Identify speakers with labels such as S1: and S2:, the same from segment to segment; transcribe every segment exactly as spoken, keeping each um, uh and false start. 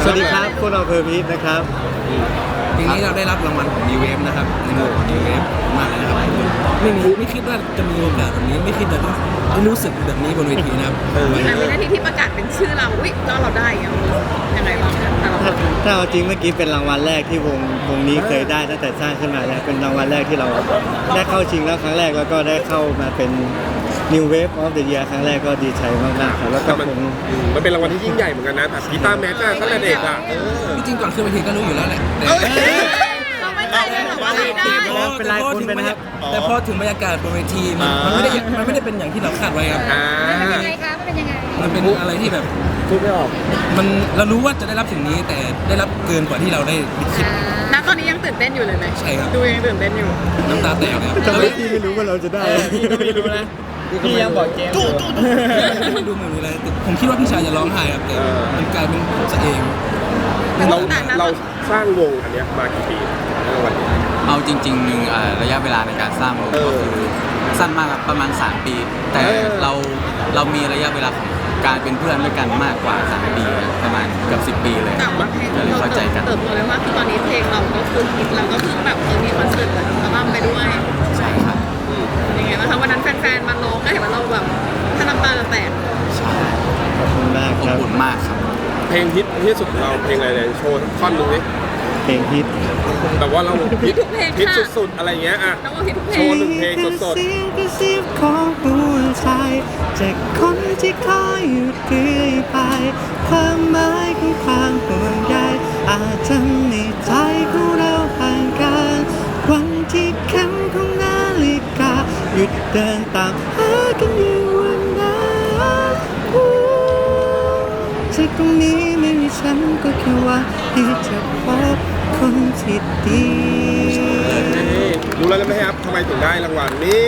S1: สวัสดีครับพวกเราเพอร์มิทนะครับ
S2: ทีนี้เราได้รับรางวัลของ New Wave นะครับในหมวด New Wave มากเลยนะครับไม่มีไม่คิดว่าจะมีโอกาสแบบนี้ไม่คิดจะต้องรู้สึกแบบนี้บนเวทีนะครับ
S3: แต่วินาทีที่ประกาศเป็นชื่อเราอุ้ยแล้วเราได้ยังยังไงบ้างแต่เรา
S1: ถ้าถ้าเอาจริงเมื่อกี้เป็นรางวัลแรกที่วงวงนี้เคยได้ตั้งแต่สร้างขึ้นมาแล้วเป็นรางวัลแรกที่เราได้เข้าชิงแล้วครั้งแรกแล้วก็ได้เข้ามาเป็น New Wave of the Year ครั้งแรกก็ดีใจมากๆครับแล้วก็คง
S4: มันเป็นรางวัลที่ยิ่งใหญ่เหมือนกันนะแบบกีตาร์แม็กซ์อะตั้งแต่เด็กอะเออ
S2: จริงๆก่อนขึ้นเวทีก็รู้อยู่แล้วแหละแต่
S3: เราไม่ใจเลยหรอว่าได้
S1: เป็นไรคุณเป็นนะครับ
S2: แต่พอถึงบรรยากาศบนเวทีมันมันไม่ได้มันไม่ได้เป็นอย่างที่เราคาดไว้ครับ
S4: อ่า
S5: มันเป็นยังไงคะมันเป็นยังไง
S2: มันเป็นอะไรที่แบบ
S1: พูดไม่ออก
S2: มันเรารู้ว่าจะได้รับสิ่งนี้แต่ได้รับเกินกว่าที่เราได้คิด
S3: ณตอนนี้ยังตื่นเต้นอยู่เลยไหม
S2: ใช่ครับ
S3: ดูยังตื่นเต้นอยู่
S2: น้ำตาแตกเลยครับ
S1: ทำไมพี่ไม่รู้ว่าเราจะได้พี่ก็ไม่รู้นะพี่ยังบอกเกมอยู่
S2: ไม่ดูเหมือนมีอะไรผมคิดว่าพี่ชายจะร้องไห้ครับแต่มันกลายเป็นผมซะเอง
S4: เราเราสร้างวงอันเนี้ยมากี่ปีในรางวัลนี้
S6: เอาจริงๆหนึ่งอ่าระยะเวลาในการสร้างวง
S4: เออ
S6: ก็คือสั้นมากครับประมาณ สาม ปี แต่
S4: เออ
S6: เราเรามีระยะเวลาของการเป็นเพื่อนด้วยกันมากกว่า สาม ปีครับประมาณเกือบสิบ ปีเลย
S3: แต่ว่าเพลง
S6: ก็เลย
S3: เรา
S6: เข้าใจกัน
S3: เติบโตเลยว่าคือตอนนี้เพลงเราก็คือฮิตแล้วก็คือแบบเออมีคอนเสิร์ตแบบอัลบั้มไปด้วย
S6: ใช่ครับ
S3: ยังไงบ้างคะวันนั้นแฟนๆมาร้องก็เห็นว่าเราแบบถ้าน้ำตาจะแตก
S6: ใช่
S1: ขอบคุณมาก
S6: อ
S1: ครับ บ
S6: อุ่นมากครับ
S4: เพลงฮิตที่สุดของเราเพลงอะไรเนี่ยโชว์ท่อนหนึงดิ
S1: เพลงฮิต
S4: แต่ว่าเราฮิต
S3: ทุกเพลง
S4: ฮิต
S3: ค่ะ
S4: สุดๆอะไรเงี้ยอะ
S3: น้องว่าฮิตทุกเพล
S4: โชว์
S3: ง
S4: หนึ่งเพลงสด
S1: เสียงกระซิบของหัวใจจากคนที่คอยอยู่เรื่อยไปความหมายของความห่วงใยอาจทำในใจของเราห่างกันวันที่เข็มของนาฬิกาหยุดเดินตามหากันอยู่วันนั้นจากตรงนี้ไม่มีฉันก็แค่หว่าที่จะพบคนที่ดี
S4: ๆรู้แล้วไหมครับทำไมถึงได้รางวัลนี่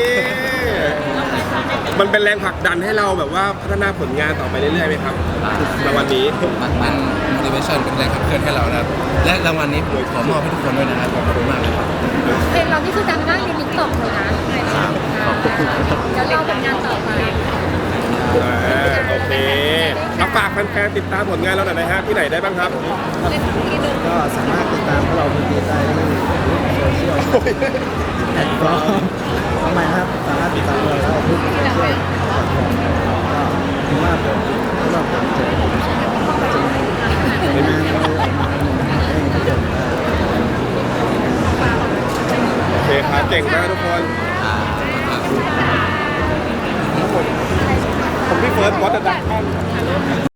S4: มันเป็นแรงผลักดันให้เราแบบว่าพัฒนาผลงานต่อไปเรื่อยๆไหมครับรางวัลนี้
S6: มาก
S2: เป็
S6: มาน ก
S2: motivation เป็นแรงขับเคลื่อนให้เรานะครับและรางวัลนี้ผมขอมอบให้ทุกคนด้วยนะครับขอบคุณมากเลยครับ
S5: เพลงเรานี่คือดังมากในติ๊กต็อกเลยนะจะรอผลงานต่อไป
S4: อ่าโอเคเอาฝากแฟนๆติดตามผลงานเราหน่อยนะฮะที่ไหนได้บ้างครับ
S1: ก็สามารถติดตามพวกเราคนดีได้ที่โซเชียลแพลตฟอร์มทำไมครับสามารถติดตามเราได้ทุกโซเชียลแพลตฟอร์มก็ถือว่าผมเพราะว่าผมเจอผมจะในงานเราออกมาให้ทุกคนได้
S4: โอเคครับเก่งมากทุกคน
S6: อ่า
S4: ผมพี่เฟิร์สวอตเดอะดัก